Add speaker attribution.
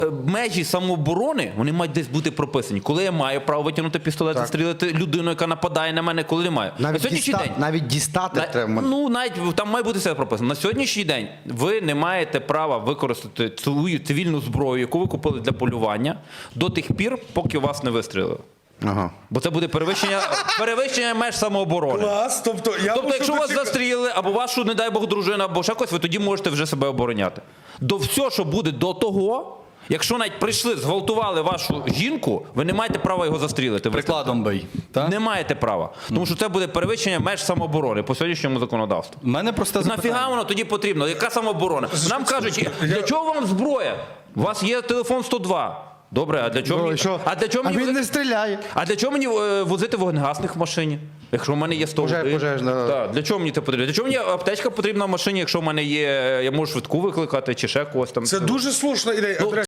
Speaker 1: межі самооборони, вони мають десь бути прописані. Коли я маю право витягнути пістолет, застрілити людину, яка нападає на мене, коли не маю.
Speaker 2: Навіть дістати треба.
Speaker 1: Ну, навіть там має бути все прописано. На сьогоднішній день ви не маєте права використати свою цивільну зброю, яку ви купили для полювання, до тих пір, поки вас не вистрілили.
Speaker 2: Ага.
Speaker 1: Бо це буде перевищення меж самооборони.
Speaker 3: Клас, тобто
Speaker 1: Якщо вас застрілили, або вашу, не дай Бог, дружину, або ще когось, ви тоді можете вже себе обороняти. До всього, що буде до того, якщо навіть прийшли, зґвалтували вашу жінку, ви не маєте права його застрілити.
Speaker 4: Прикладом бий. Так?
Speaker 1: Не маєте права. Тому що це буде перевищення меж самооборони по сьогоднішньому законодавству.
Speaker 4: У мене просте запитання.
Speaker 1: Нафіга воно тоді потрібно? Яка самооборона? Нам кажуть, для чого вам зброя? У вас є телефон 102. Добре, а для чого мені?
Speaker 2: А він не стріляє.
Speaker 1: А для чого мені возити вогнегасник в машині? Якщо в мене є 101.
Speaker 2: Пожежна.
Speaker 1: Так, для чого мені це потрібно? Для чого мені аптечка потрібна в машині, якщо в мене є, я можу швидку викликати чи ще когось там?
Speaker 3: Це дуже слушна ідея.